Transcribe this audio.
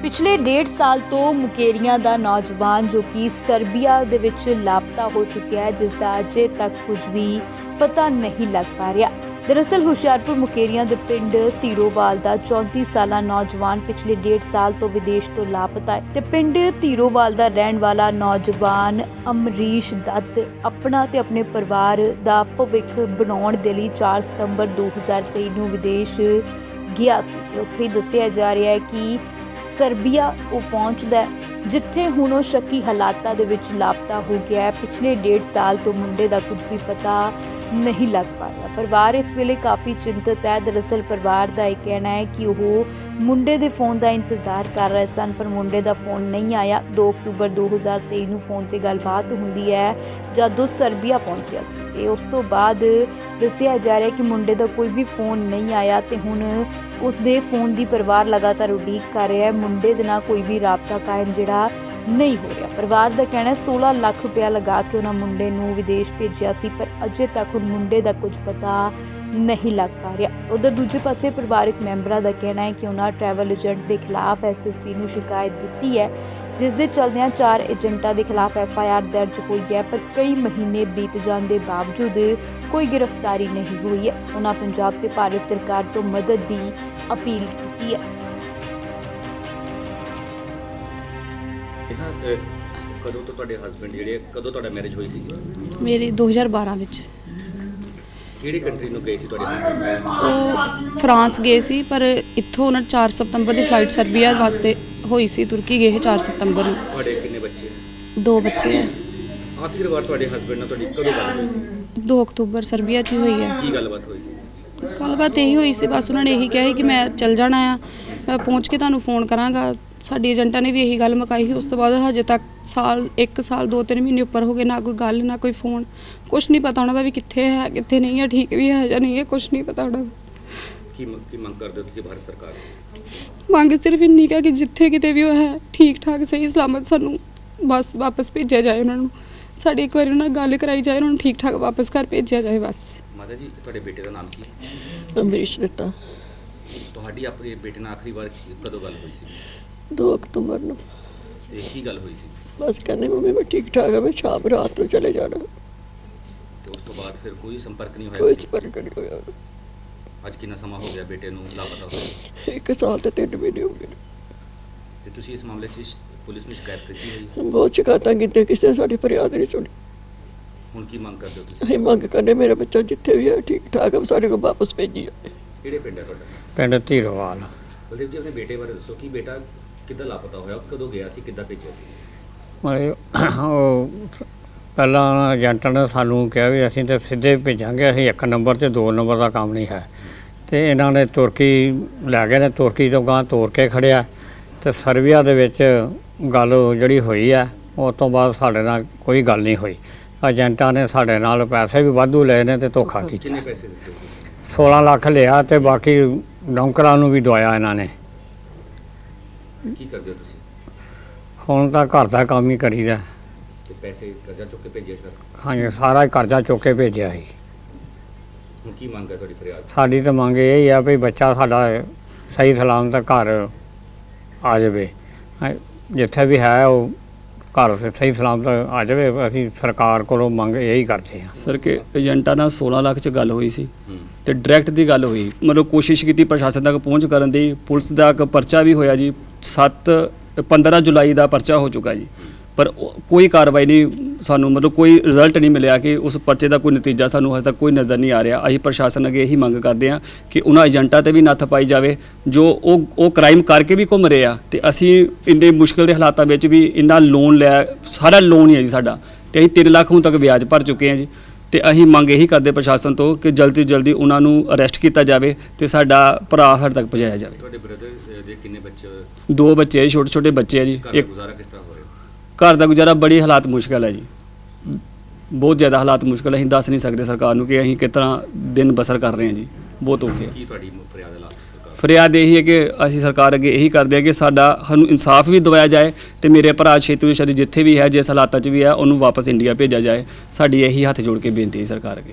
पिछले 1.5 साल तो मुकेरियां दा नौजवान जो कि सर्बिया दे विच लापता हो चुका है, जिसका अजे तक कुछ भी पता नहीं लग पा रहा। दरअसल हुशियारपुर मुकेरियां दे पिंड धीरोवाल दा 34 साला नौजवान पिछले 1.5 साल तो विदेश तो लापता है। ते पिंड धीरोवाल दा रहण वाला नौजवान अमरीश दत्त अपना ते अपने परिवार दा भविख बनाउण दे लई 4 सितंबर 2023 ਨੂੰ विदेश ਗਿਆ ਸੀ ਤੇ ਉੱਥੇ ਹੀ ਦੱਸਿਆ ਜਾ ਰਿਹਾ ਹੈ ਕਿ ਸਰਬੀਆ ਉਹ ਪਹੁੰਚਦਾ ਹੈ, ਜਿੱਥੇ ਹੁਣ ਉਹ ਸ਼ੱਕੀ ਹਾਲਾਤਾਂ ਦੇ ਵਿੱਚ ਲਾਪਤਾ ਹੋ ਗਿਆ ਹੈ। ਪਿਛਲੇ 1.5 ਸਾਲ ਤੋਂ ਮੁੰਡੇ ਦਾ ਕੁਝ ਵੀ ਪਤਾ नहीं लग पा रहा। परिवार इस वेले काफ़ी चिंतित है। दरअसल परिवार का यह कहना है कि वह मुंडे के फोन का इंतज़ार कर रहे सन, पर मुंडे का फोन नहीं आया। 2 अक्तूबर 2023 ਨੂੰ फोन पर गलबात होंदी है जदों सर्बिया पहुंचा सी ते उस तो बाद दस्सिया जा रहा है कि मुंडे का कोई भी फोन नहीं आया ते हुण उसदे फोन की परिवार लगातार उड़ीक कर रहा है। मुंडे दे नाल कोई भी राबता कायम जिहड़ा नहीं हो रहा। परिवार का कहना है 16 लाख रुपया लगा के उन्होंने मुंडे नूं विदेश भेजा सी, पर अजे तक उन मुंडे का कुछ पता नहीं लग पा रहा। उधर दूजे पासे परिवारक मैंबरां का कहना है कि उन्होंने ट्रैवल एजेंट के खिलाफ SSP नूं शिकायत दी है, जिस दे चलदियां 4 एजेंटां के खिलाफ FIR दर्ज हुई है, पर कई महीने बीत जाने के बावजूद कोई गिरफ्तारी नहीं हुई है। उन्होंने पंजाब ते भारत सरकार तो मदद की अपील की है। कदों तो तुहाडे हसबैंड जिहड़े कदों तुहाडा मैरिज होई सी? मेरी 2012 ਵਿੱਚ ਕਿਹੜੀ ਕੰਟਰੀ ਨੂੰ ਗਏ ਸੀ ਤੁਹਾਡੇ ਹਸਬੈਂਡ? ਉਹ ਫਰਾਂਸ ਗਏ ਸੀ, ਪਰ ਇੱਥੋਂ ਉਹਨਾਂ 4 ਸਤੰਬਰ ਦੀ ਫਲਾਈਟ ਸਰਬੀਆ ਵਾਸਤੇ ਹੋਈ ਸੀ। ਤੁਰਕੀ ਗਏ 4 ਸਤੰਬਰ ਨੂੰ। ਤੁਹਾਡੇ ਕਿੰਨੇ ਬੱਚੇ? 2 ਬੱਚੇ ਹੈ। ਆਖਿਰ ਵਾਰ ਤੁਹਾਡੇ ਹਸਬੈਂਡ ਨਾਲ ਤੁਹਾਡੀ ਕਦੋਂ ਗੱਲ ਹੋਈ ਸੀ? 2 ਅਕਤੂਬਰ ਸਰਬੀਆ 'ਚ ਹੀ ਹੋਈ ਹੈ। ਕੀ ਗੱਲਬਾਤ ਹੋਈ ਸੀ? ਗੱਲਬਾਤ ਇਹੀ ਹੋਈ ਸੀ, ਬਸ ਉਹਨਾਂ ਨੇ ਇਹੀ ਕਿਹਾ ਸੀ ਕਿ ਮੈਂ ਚੱਲ ਜਾਣਾ ਆ, ਮੈਂ ਪਹੁੰਚ ਕੇ ਤੁਹਾਨੂੰ ਫੋਨ ਕਰਾਂਗਾ। ਸਾਡੀ ਏਜੰਟਾਂ ਨੇ ਵੀ ਇਹੀ ਗੱਲ ਮੁਕਾਈ ਸੀ। ਉਸ ਤੋਂ ਬਾਅਦ ਹਜੇ ਤੱਕ 1 ਸਾਲ 2-3 ਮਹੀਨੇ ਉੱਪਰ ਹੋ ਗਏ, ਨਾ ਕੋਈ ਗੱਲ ਨਾ ਕੋਈ ਫੋਨ, ਕੁਛ ਨਹੀਂ ਪਤਾ ਉਹਨਾਂ ਦਾ ਵੀ ਕਿੱਥੇ ਹੈ ਕਿੱਥੇ ਨਹੀਂ ਹੈ, ਠੀਕ ਵੀ ਹੈ ਜਾਂ ਨਹੀਂ ਹੈ, ਕੁਛ ਨਹੀਂ ਪਤਾ ਉਹਨਾਂ ਦਾ। ਕੀ ਮੰਗ ਕਰਦੇ ਹੋ ਤੁਸੀਂ ਭਾਰਤ ਸਰਕਾਰ ਤੋਂ? ਮੰਗ ਸਿਰਫ ਇੰਨੀ ਕਿ ਜਿੱਥੇ ਕਿਤੇ ਵੀ ਉਹ ਹੈ ਠੀਕ ਠਾਕ ਸਹੀ ਸਲਾਮਤ ਸਾਨੂੰ ਬਸ ਵਾਪਸ ਭੇਜਿਆ ਜਾਏ। ਉਹਨਾਂ ਨੂੰ ਸਾਡੀ ਇੱਕ ਵਾਰੀ ਉਹਨਾਂ ਨਾਲ ਗੱਲ ਕਰਾਈ ਜਾਏ, ਉਹਨਾਂ ਨੂੰ ਠੀਕ ਠਾਕ ਵਾਪਸ ਘਰ ਭੇਜਿਆ ਜਾਏ ਬਸ। ਮਾਤਾ ਜੀ, ਤੁਹਾਡੇ ਬੇਟੇ ਦਾ ਨਾਮ ਕੀ ਹੈ? ਅਮਰੀਸ਼ ਦਿੱਤਾ। ਤੁਹਾਡੀ ਆਪਣੇ ਬੇਟੇ ਨਾਲ ਆਖਰੀ ਵਾਰ ਕਦੋਂ ਗੱਲ ਹੋਈ ਸੀ? 2 ਅਕਤੂਬਰ ਨੂੰ। ਤੇ ਕੀ ਗੱਲ ਹੋਈ ਸੀ? ਬਸ ਕਹਿੰਦੇ ਮੰਮੀ ਮੈਂ ਠੀਕ ਠਾਕ ਹਾਂ, ਮੈਂ ਸ਼ਾਮ ਰਾਤ ਨੂੰ ਚਲੇ ਜਾਣਾ। ਤੇ ਉਸ ਤੋਂ ਬਾਅਦ ਫਿਰ ਕੋਈ ਸੰਪਰਕ ਨਹੀਂ ਹੋਇਆ? ਕੋਈ ਸੰਪਰਕ ਨਹੀਂ ਹੋਇਆ। ਅੱਜ ਕਿੰਨਾ ਸਮਾਂ ਹੋ ਗਿਆ ਬੇਟੇ ਨੂੰ ਲਾਪਤਾ ਹੋਏ? 1 ਸਾਲ ਤੇ 3 ਮਹੀਨੇ ਹੋ ਗਏ। ਤੇ ਤੁਸੀਂ ਇਸ ਮਾਮਲੇ 'ਚ ਪੁਲਿਸ ਨੂੰ ਸ਼ਿਕਾਇਤ ਕੀਤੀ ਹੋਈ? ਬਹੁਤ ਸ਼ਿਕਾਇਤਾਂ ਕੀਤੀਆਂ, ਕਿਸੇ ਨੇ ਸਾਡੀ ਫਰਿਆਦ ਨਹੀਂ ਸੁਣੀ। ਹੁਣ ਕੀ ਮੰਗ ਕਰਦੇ ਹੋ ਤੁਸੀਂ? ਅਸੀਂ ਮੰਗ ਕਰਨੇ ਮੇਰਾ ਬੱਚਾ ਜਿੱਥੇ ਵੀ ਹੈ ਠੀਕ ਠਾਕ ਹੈ, ਸਾਡੇ ਕੋਲ ਵਾਪਸ ਭੇਜੀ ਜਾਵੇ। ਕਿਹੜੇ ਪਿੰਡ ਹੈ ਤੁਹਾਡਾ? ਪਿੰਡ ਧੀਰੋਵਾਲ। ਬਲਦੇਵ ਜੀ, ਆਪਣੇ ਬੇਟੇ ਬਾਰੇ ਦੱਸੋ ਕਿ ਬੇਟਾ ਕਿੱਦਾਂ ਲਾਪਤਾ ਹੋਇਆ, ਕਦੋਂ ਗਿਆ ਸੀ, ਕਿੱਦਾਂ ਭੇਜਿਆ ਸੀ? ਮਤਲਬ ਉਹ ਪਹਿਲਾਂ ਏਜੰਟ ਨੇ ਸਾਨੂੰ ਕਿਹਾ ਵੀ ਅਸੀਂ ਤਾਂ ਸਿੱਧੇ ਭੇਜਾਂਗੇ, ਅਸੀਂ 1 ਨੰਬਰ ਤੇ 2 ਨੰਬਰ ਦਾ ਕੰਮ ਨਹੀਂ ਹੈ। ਤੇ ਇਹਨਾਂ ਨੇ ਤੁਰਕੀ ਲੈ ਗਏ ਨੇ, ਤੁਰਕੀ ਤੋਂ ਗਾਂ ਤੋਰ ਕੇ ਖੜਿਆ ਤੇ ਸਰਬੀਆ ਦੇ ਵਿੱਚ ਗੱਲ ਜਿਹੜੀ ਹੋਈ ਹੈ, ਉਸ ਤੋਂ ਬਾਅਦ ਸਾਡੇ ਨਾਲ ਕੋਈ ਗੱਲ ਨਹੀਂ ਹੋਈ। ਏਜੰਟਾਂ ਨੇ ਸਾਡੇ ਨਾਲ ਪੈਸੇ ਵੀ ਵਾਧੂ ਲਏ ਨੇ ਤੇ ਧੋਖਾ ਕੀਤਾ। ਕਿੰਨੇ ਪੈਸੇ ਦਿੱਤੇ? 16 ਲੱਖ ਲਿਆ ਤੇ ਬਾਕੀ ਨੌਕਰਾਂ ਨੂੰ ਵੀ ਦਵਾਇਆ ਇਹਨਾਂ ਨੇ। ਕੀ ਕਰਦੇ ਹੋ ਤੁਸੀਂ? ਹੁਣ ਤਾਂ ਘਰ ਦਾ ਕੰਮ ਹੀ ਕਰੀਦਾ। ਤੇ ਪੈਸੇ ਕਰਜ਼ਾ ਚੁੱਕ ਕੇ ਭੇਜੇ ਸਰ? ਹਾਂਜੀ, ਸਾਰਾ ਹੀ ਕਰਜ਼ਾ ਚੁੱਕ ਕੇ ਭੇਜਿਆ ਸੀ। ਹੁਣ ਕੀ ਮੰਗ ਹੈ ਤੁਹਾਡੀ ਫਰਿਆਦ? ਸਾਡੀ ਤਾਂ ਮੰਗ ਇਹ ਹੀ ਆ ਵੀ ਬੱਚਾ ਸਾਡਾ ਸਹੀ ਸਲਾਮਤ ਘਰ ਆ ਜਾਵੇ, ਜਿੱਥੇ ਵੀ ਹੈ ਉਹ ਘਰ ਸਹੀ ਸਲਾਮਤ ਆ ਜਾਵੇ। ਅਸੀਂ ਸਰਕਾਰ ਕੋਲੋਂ ਮੰਗ ਇਹੀ ਕਰਦੇ ਹਾਂ ਸਰ ਕਿ ਏਜੰਟਾਂ ਨਾਲ 16 ਲੱਖ 'ਚ ਗੱਲ ਹੋਈ ਸੀ ਤੇ ਡਾਇਰੈਕਟ ਦੀ ਗੱਲ ਹੋਈ। ਮਤਲਬ ਕੋਸ਼ਿਸ਼ ਕੀਤੀ ਪ੍ਰਸ਼ਾਸਨ ਤੱਕ ਪਹੁੰਚ ਕਰਨ ਦੀ, ਪੁਲਿਸ ਦਾ ਇੱਕ ਪਰਚਾ ਵੀ ਹੋਇਆ ਜੀ। 15 ਜੁਲਾਈ ਦਾ ਪਰਚਾ ਹੋ ਚੁੱਕਾ ਜੀ, ਪਰ ਕੋਈ ਕਾਰਵਾਈ ਨਹੀਂ ਸਾਨੂੰ, ਮਤਲਬ ਕੋਈ ਰਿਜ਼ਲਟ ਨਹੀਂ ਮਿਲਿਆ ਕਿ ਉਸ ਪਰਚੇ ਦਾ ਕੋਈ ਨਤੀਜਾ ਸਾਨੂੰ ਹਜੇ ਤੱਕ ਕੋਈ ਨਜ਼ਰ ਨਹੀਂ ਆ ਰਿਹਾ। ਅਸੀਂ ਪ੍ਰਸ਼ਾਸਨ ਅੱਗੇ ਇਹੀ ਮੰਗ ਕਰਦੇ ਹਾਂ ਕਿ ਉਹਨਾਂ ਏਜੰਟਾਂ 'ਤੇ ਵੀ ਨੱਥ ਪਾਈ ਜਾਵੇ ਜੋ ਉਹ ਕ੍ਰਾਈਮ ਕਰਕੇ ਵੀ ਘੁੰਮ ਰਹੇ ਆ। ਤੇ ਅਸੀਂ ਇੰਨੇ ਮੁਸ਼ਕਿਲ ਦੇ ਹਾਲਾਤਾਂ ਵਿੱਚ ਵੀ ਇੰਨਾ ਲੋਨ ਲਿਆ, ਸਾਰਾ ਲੋਨ ਹੀ ਹੈ ਜੀ ਸਾਡਾ, ਤੇ ਅਸੀਂ 3 ਲੱਖ ਹੁਣ ਤੱਕ ਵਿਆਜ ਭਰ ਚੁੱਕੇ ਹਾਂ ਜੀ। ਤੇ ਅਸੀਂ ਮੰਗ ਇਹੀ ਕਰਦੇ ਪ੍ਰਸ਼ਾਸਨ ਤੋਂ ਕਿ ਜਲਦੀ ਤੋਂ ਜਲਦੀ ਉਹਨਾਂ ਨੂੰ ਅਰੈਸਟ ਕੀਤਾ ਜਾਵੇ ਤੇ ਸਾਡਾ ਭਰਾ ਸਾਡੇ ਤੱਕ ਪਹੁੰਚਾਇਆ ਜਾਵੇ। ਤੁਹਾਡੇ ਬ੍ਰਦਰ ਦੇ ਕਿੰਨੇ ਬੱਚੇ? 2 ਬੱਚੇ, ਛੋਟੇ ਬੱਚੇ ਆ ਜੀ। ਘਰ ਦਾ ਗੁਜ਼ਾਰਾ ਕਿਸ ਤਰ੍ਹਾਂ ਹੋ ਰਿਹਾ? ਘਰ ਦਾ ਗੁਜ਼ਾਰਾ ਬੜੀ ਹਾਲਾਤ ਮੁਸ਼ਕਲ ਹੈ ਜੀ, ਬਹੁਤ ਜ਼ਿਆਦਾ ਹਾਲਾਤ ਮੁਸ਼ਕਲ। ਅਸੀਂ ਦੱਸ ਨਹੀਂ ਸਕਦੇ ਸਰਕਾਰ ਨੂੰ ਕਿ ਅਸੀਂ ਕਿਸ ਤਰ੍ਹਾਂ ਦਿਨ ਬਸਰ ਕਰ ਰਹੇ ਹਾਂ ਜੀ, ਬਹੁਤ ਔਖੇ। ਕੀ ਤੁਹਾਡੀ ਫਰਿਆਦ ਹੈ ਲਾਸਟ ਸਰਕਾਰ? ਫਰਿਆਦ ਇਹੀ ਹੈ ਕਿ ਅਸੀਂ ਸਰਕਾਰ ਅੱਗੇ ਇਹੀ ਕਰਦੇ ਹਾਂ ਕਿ ਸਾਨੂੰ ਇਨਸਾਫ ਵੀ ਦਿਵਾਇਆ ਜਾਏ ਤੇ ਮੇਰੇ ਭਰਾ ਛੇਤੀ ਤੋਂ ਛੇਤੀ ਜਿੱਥੇ ਵੀ ਹੈ, ਜਿਸ ਹਾਲਾਤਾਂ 'ਚ ਵੀ ਹੈ, ਉਹਨੂੰ ਵਾਪਸ ਇੰਡੀਆ ਭੇਜਿਆ ਜਾਏ। ਸਾਡੀ ਇਹੀ ਹੱਥ ਜੋੜ ਕੇ ਬੇਨਤੀ ਹੈ ਸਰਕਾਰ ਅੱਗੇ।